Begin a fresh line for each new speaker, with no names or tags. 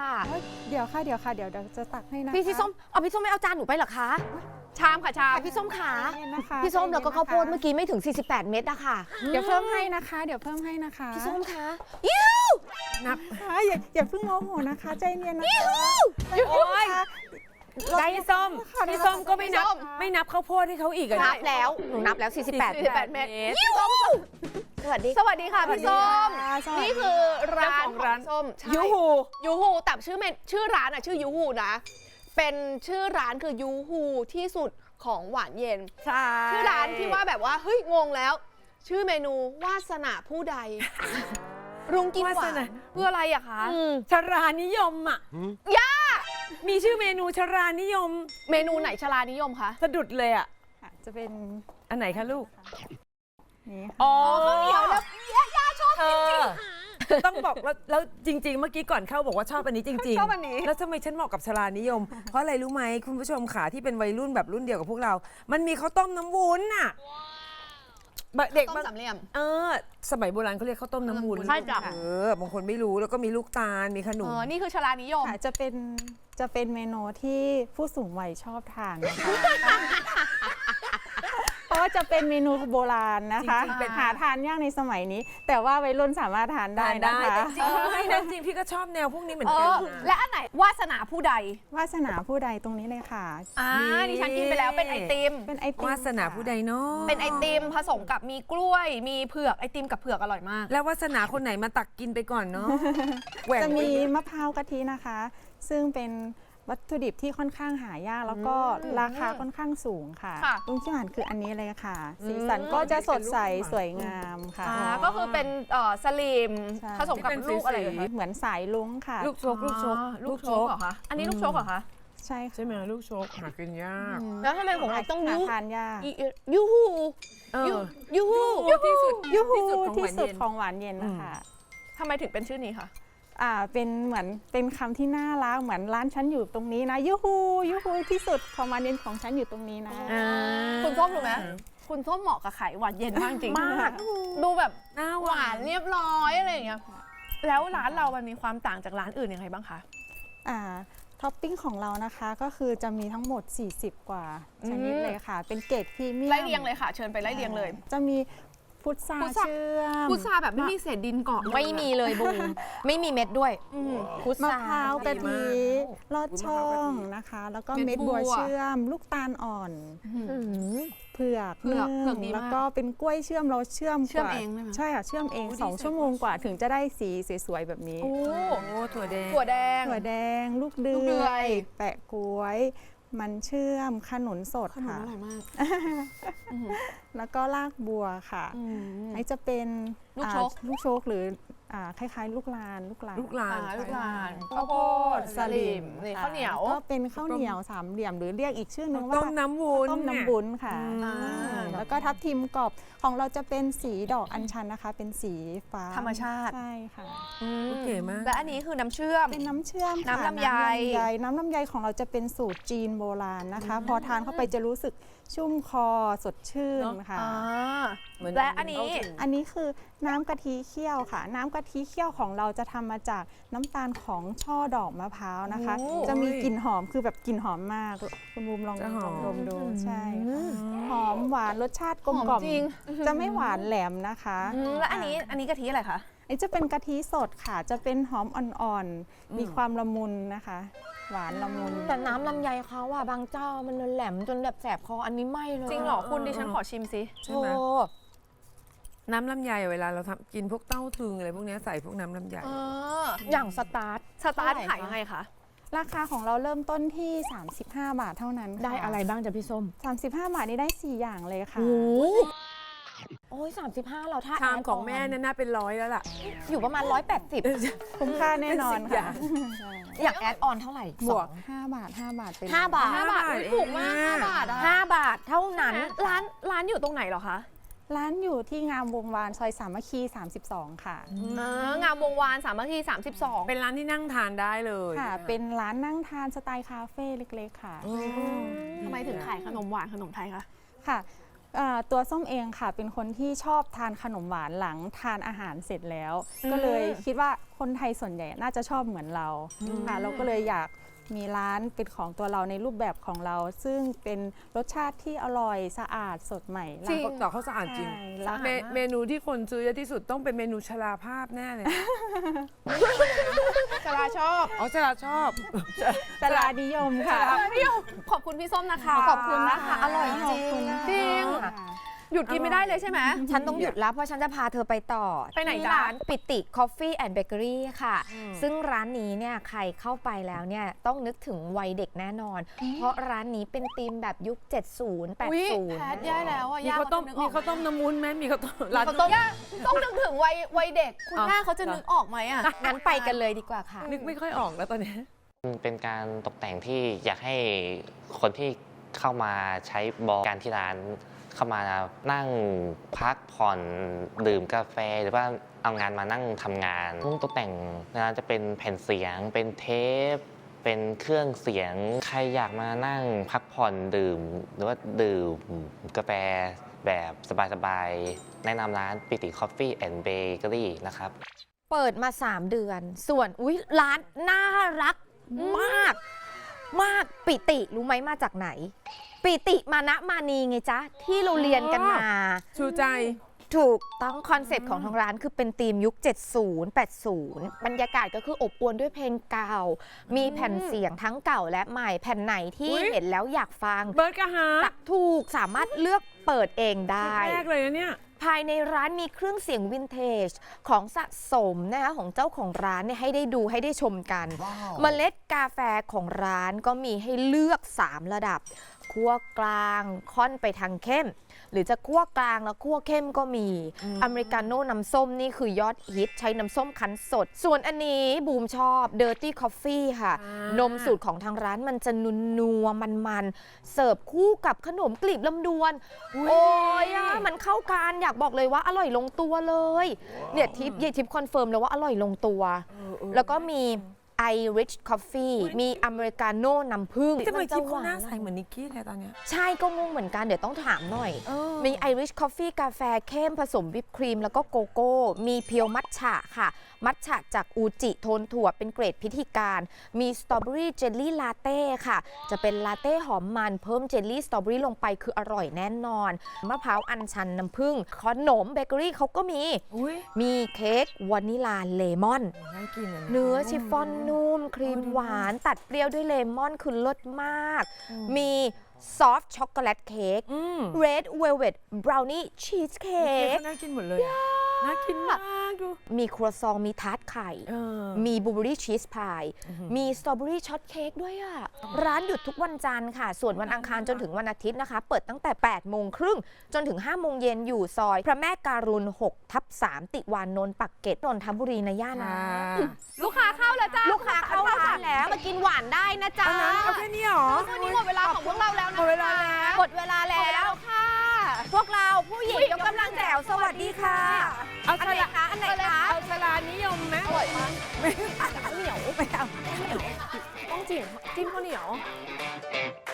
ค่ะ
เดี๋ยวจะตักให้นะคะ
พี่ส้มพี่ส้มไม่เอาจานหนูไปเหรอคะชามค่ะชามพี่ส้มขาพี่ส้มแล้วก็ข้าวโพดเมื่อกี้ไม่ถึง48 เม็ดอะค่ะ
เดี๋ยวเพิ่มให้นะคะ
พี่ส้มคะ
นับอย่าเพิ่งโมโหนะคะใจเย็นนะคะ
โอ๊ยพี่ส้มก็ไม่นับข้าวโพดให้เขาอีกอะ
นับแล้วหนูนับแล้ว48 เม็ดสวัสดีค่ะพี่ส้มนี่คือร้านของส้มยูฮูแต่ชื่อร้านอะชื่อยูฮูนะเป็นชื่อร้านคือยูฮูที่สุดของหวานเย็นชื่อร้านที่ว่าแบบว่าเฮ้ยงงแล้วชื่อเมนูวาสนาผู้ใดรุงกินหวานเพื่ออะไรอะคะ
ชรานิยมอะย่ามีชื่อเมนูชรานิยม
เมนูไหนชรานิยมคะ
สะดุดเลยอะ
จะเป็น
อันไหนคะลูก
นี่
อ๋อ
ข้าวเหนียวแล้วย่าชอบจริง
ต้องบอกแล้วจริงๆเมื่อกี้ก่อนเข้าบอกว่าชอบอันนี้จริงๆ
ชอบอันนี้
แล้วทำไมฉันเหมาะกับชรานิยมเพราะอะไรรู้ไหมคุณผู้ชมขาที่เป็นวัยรุ่นแบบรุ่นเดียวกับพวกเรามันมีข้าวต้มน้ำวุ้นน่ะเด็ก
ต้มสามเหลี่ยม
สมัยโบราณเขาเรียกข้าวต้มน้ำวุ้น
ใช่จ้ะ
บางคนไม่รู้แล้วก็มีลูกตาลมีขนม
นี่คือชรานิยม
จะเป็นเมนูที่ผู้สูงวัยชอบทานนะคะเพราะว่าจะเป็นเมนูโบราณนะคะหาทานยากในสมัยนี้แต่ว่าวัยรุ่นสามารถทานได้นะคะ
จริงพี่ก็ชอบแนวพวกนี้เหมือนกัน
และอันไหนวาสนาผู้ใด
ตรงนี้เลยค่ะ
ดิฉันกินไปแล้วเป็นไอติม
วาสนาผู้ใดเนาะ
เป็นไอติมผสมกับมีกล้วยมีเผือกไอติมกับเผือกอร่อยมาก
แล้ววาสนาคนไหนมาตักกินไปก่อนเนาะ
จะมีมะพร้าวกะทินะคะซึ่งเป็นวัตถุดิบที่ค่อนข้างหายากแล้วก็ราคาค่อนข้างสูงค่ะลุงชิมานคืออันนี้เลยค่ะสีสันก็จะสดใสสวยงามค่ะ
ก็คือเป็นสลิมผสมกับลูกอะไร
เหมือนสายลุ้งค่ะ
ลูกโชก
เหรอคะอันนี้ลูกโชกเหรอคะ
ใช่
ใช่ไหมลูกโชกหากินยาก
แล้วทำไมของเราต้อง
ทานยาก
ยูฮู
ที่สุด
ของหวานเย็นนะคะ
ทำไมถึงเป็นชื่อนี้คะ
เป็นเหมือนเป็นคำที่น่ารักเหมือนร้านฉันอยู่ตรงนี้นะยูฮูที่สุดของหวานเย็นของฉันอยู่ตรงนี้นะ
คุณส้มรู้ไหมคุณส้มเหมาะกับไข่หวานเย็นมากจริงมากดูแบบหวานเรียบร้อยอะไรอย่างเงี้ยแล้วร้านเรามันมีความต่างจากร้านอื่นยังไงบ้างคะ
ท็อปปิ้งของเรานะคะก็คือจะมีทั้งหมด40กว่าชนิดเลยค่ะเป็นเกรดพรีเมียม
ไล่เรียงเลยค่ะเชิญไปไล่เรียงเลย
จะมีพุทราเชื่อม
พุทราแบบไม่มีเศษดินเกาะ
ไม่มีเลยบูมไม่มีเม็ดด้วย
มะพร้าวกะทิลอดช่องนะคะแล้วก็เม็ดบัวเชื่อมลูกตาลอ่อนเผือกแล้วก็เป็นกล้วยเชื่อมเราเชื่อม
เอง
ใช่ค่ะเชื่อมเอง2 ชั่วโมงกว่าถึงจะได้สีสวยๆแบบนี้
ถั่ว
แดงลูกเดือยแปะกล้วยมันเชื่อมขนุนสดค่ะ
อร่อยมาก
แล้วก็รากบัวค่ะอันนี้จะเป็นลูกโชกหรือคล้ายๆลูกลาน
ข้าวโพดสลิมข้าวเหนียว
ก็เป็นข้าวเหนียวสามเหลี่ยมหรือเรียกอีกชื่อนึงว่า
ต้มน้ำวุ้น
ค่ะแล้วก็ทับทิมกรอบของเราจะเป็นสีดอกอัญชันนะคะเป็นสีฟ้า
ธรรมชาติ
ใช่ค่ะ
เก๋มาก
และอันนี้คือน้ำเชื่อม
เป็นน้ำเชื่อม
น้ำลำไย
ของเราจะเป็นสูตรจีนโบราณนะคะพอทานเข้าไปจะรู้สึกชุ่มคอสดชื่นค่ะ
และอัน
นี้คือน้ำกะทิเคี่ยวค่ะน้ำกะทิเคี่ยวของเราจะทำมาจากน้ำตาลของช่อดอกมะพร้าวนะคะจะมีกลิ่นหอมคือแบบกลิ่นหอมมากคุณบูมลองดมดูใช่หอมหวานรสชาติกลมกล่อมจะไม่หวานแหลมนะคะ
แล้วอันนี้กะทิอะไรคะ
อันนี้จะเป็นกะทิสดค่ะจะเป็นหอมอ่อนๆมีความละมุนนะคะหวานละมุน
แต่น้ำลำไยเขาอะบางเจ้ามันแหลมจนแบบแสบคออันนี้ไม่เลย
จริงเหรอคุณดิฉันขอชิมสิ
ใช่ไหมน้ำลำไยเวลาเราทำกินพวกเต้าถึงอะไรพวกนี้ใส่พวกน้ำลำไย
อย่างสตาร์ท
ขายยังไงคะ
ราคาของเราเริ่มต้นที่35 บาทเท่านั้น
ได้อะไรบ้างจ๊ะพี่ส้ม
35 บาทนี้ได้4อย่างเลยค่ะ
โอ้ย35เราถ้า
ชามของแม่น่าเป็น100แล้วล่ะ
อยู่ประมาณ180
คุ้มค่าแน่นอนค่ะ
อยากแอดออนเท่าไหร่
บวก5 บาทเป็น
5 บาท
ถูกมาก5 บาท
5 บาทเท่านั้น
ร้านอยู่ตรงไหนเหรอคะ
ร้านอยู่ที่งามวงวานซอยสามัคคี32ค่ะ
งามวงวานสามัคคี32
เป็นร้านที่นั่งทานได้เลย
ค่ะเป็นร้านนั่งทานสไตล์คาเฟ่เล็กๆค่ะ
ทำไมถึงขายขนมหวานขนมไทยคะ
ค่ะตัวส้มเองค่ะเป็นคนที่ชอบทานขนมหวานหลังทานอาหารเสร็จแล้ว ก็เลยคิดว่าคนไทยส่วนใหญ่น่าจะชอบเหมือนเราค่ะเราก็เลยอยากมีร้านเป็นของตัวเราในรูปแบบของเรา ซึ่งเป็นรสชาติที่อร่อยสะอาดสดใหม่
จริงต่อเขาสะอาดจริง
ใช่แล้ว
เมนูที่คนซื้อเยอะที่สุดต้องเป็นเมนูชราภาพแน่เลย
ชลาชอบ
อ๋อชราชอบ
ตลาดนิยมค่ะ
ขอบคุณพี่ส้มนะคะ
ขอบคุณนะคะอร่อยจริง
จริง หยุดกินไม่ได้เลยใช่ไหม
ฉันต้องหยุดแล้วเพราะฉันจะพาเธอไปต่อ
ไปไหน
ที่
จ๊ะ
ร้านปิติ Coffee and Bakery ค่ะ ซึ่งร้านนี้เนี่ยใครเข้าไปแล้วเนี่ยต้องนึกถึงวัยเด็กแน่นอน เพราะร้านนี้เป็นธีมแบบยุค 70
อุ๊ยแพท
80
แย่แล้วอ่ะ
มี
ย่า
ข้าวต้ม
เขาจะนึกอ
มี
อก
ข้าวต้มน้ำวุ้นไหมมีข้าวต้มร้าน
เขาต้องย่าต้องนึกถึงวัยเด็ก คุณย่าเขาจะนึกออกไหมอ่ะ
งั้นไปกันเลยดีกว่าค่ะ
นึกไม่ค่อยออกแล้วตอนนี้
เป็นการตกแต่งที่อยากให้คนที่เข้ามาใช้บริการที่ร้านเข้ามานั่งพักผ่อนดื่มกาแฟหรือว่าเอางานมานั่งทำงานมุ้งตกแต่งในร้านจะเป็นแผ่นเสียง เป็นเทป เป็นเครื่องเสียงใครอยากมานั่งพักผ่อนดื่ม หรือว่าดื่มกาแฟแบบสบายๆแนะนำร้านปิติ Coffee and Bakery นะครับ
เปิดมา 3 เดือน ส่วนอุ๊ยร้านน่ารักมาก มากปิติรู้ไหมมาจากไหน ปิติมานะมานีไงจ๊ะ ที่เราเรียนกันมา
ชูใจ
ถูกต้องคอนเซ็ปต์ของทางร้านคือเป็นธีมยุค 70 80 บรรยากาศก็คืออบอวลด้วยเพลงเก่า มีแผ่นเสียงทั้งเก่าและใหม่แผ่นไหนที่
อุ๊ย
เห็นแล้วอยากฟัง
เบิร์ดกะฮา
ถูกสามารถเลือกเปิดเองได้
แรกเลยนะเนี่ย
ภายในร้านมีเครื่องเสียงวินเทจของสะสมนะคะของเจ้าของร้านเนี่ยให้ได้ดูให้ได้ชมกัน เมล็ดกาแฟของร้านก็มีให้เลือก 3 ระดับคั่วกลางค่อนไปทางเข้ม หรือจะคั่วกลางแล้วคั่วเข้มก็มีอเมริกาโน่น้ำส้มนี่คือยอดฮิตใช้น้ำส้มคั้นสด ส่วนอันนี้บูมชอบ Dirty Coffee ค่ะ นมสูตรของทางร้านมันจะนัวมันๆเสิร์ฟคู่กับขนมกลีบลำดวน โอ้ยอะมันเข้ากันอยากบอกเลยว่าอร่อยลงตัวเลยเนี่ยทิปคอนเฟิร์มเลยว่าอร่อยลงตัว แล้วก็มี Irish Coffee มีอเมริกาโน่น้ำผึ้ง
ทำไมทิพย์
ห
เขา
วา
หน้าใสเหมือนนิกกี้เลยตอนเนี้ย
ใช่ก็งงเหมือนกันเดี๋ยวต้องถามหน่อย มี Irish Coffee กาแฟเข้มผสมวิปครีมแล้วก็โกโก้ มีเพียวมัทฉะค่ะ มัทฉะจากอูจิโทนถั่วเป็นเกรดพิธีการ มีสตรอเบอรี่เจลลี่ลาเต้ค่ะ จะเป็นลาเต้หอมมันเพิ่มเจลลี่สตรอเบอรี่ลงไปคืออร่อยแน่นอน มะพร้าวอัญชันน้ำผึ้งขนมเบเกอรี่เขาก็มี
อุ้ย
มีเค้กวานิลาเลมอน
น่ากินอะย
เนื้อชิฟฟ่อนนุ่ม ครีมหวานตัดเปรี้ยวด้วยเลมอนคือเลิศมาก มีซอฟต์ช็อกโกแลตเค้ก Red Velvet Brownie Cheesecake
น่ากินหมดเลยอะน่ากินมากดู
มีครัวซองมีทาร์ตไข่ มีบลูเบอรี่ชีสพายมีสตรอเบอรี่ช็อตเค้กด้วยอ่ะ ร้านหยุดทุกวันจันทร์ค่ะ ส่วนวันอังคารจนถึงวันอาทิตย์นะคะ เปิดตั้งแต่ 8 โมงครึ่งจนถึง 5 โมงเย็นอยู่ซอย พระแม่การุณ 6/3 ติวานนท์ปักเกร็ดนนทบุรีนะย่านะ
ลูกค้าเข้าแล้วจ้า
ลูกค้าเข้าร้านแล้วมากินหวานได้นะจ๊ะ
เอาแค่นี้เหรอ
วันนี้หมดเวลาของพวกเราแล้วนะ
หมดเวลาแล้ว
หมดเวลา
หมดเวลา
แล้
แล้ว วค่ะ
พวกเราผู้หญิงยกกำลังแจ๋วสวัสดีค่ะ
เอา
อัน
ช
ไหน
ลา
คะอันไหนคะ
เอาชลานิยมไหม
อร่อยมาก
เหนียวไม่เอา
ต้องจิ้มข้าวเหนียว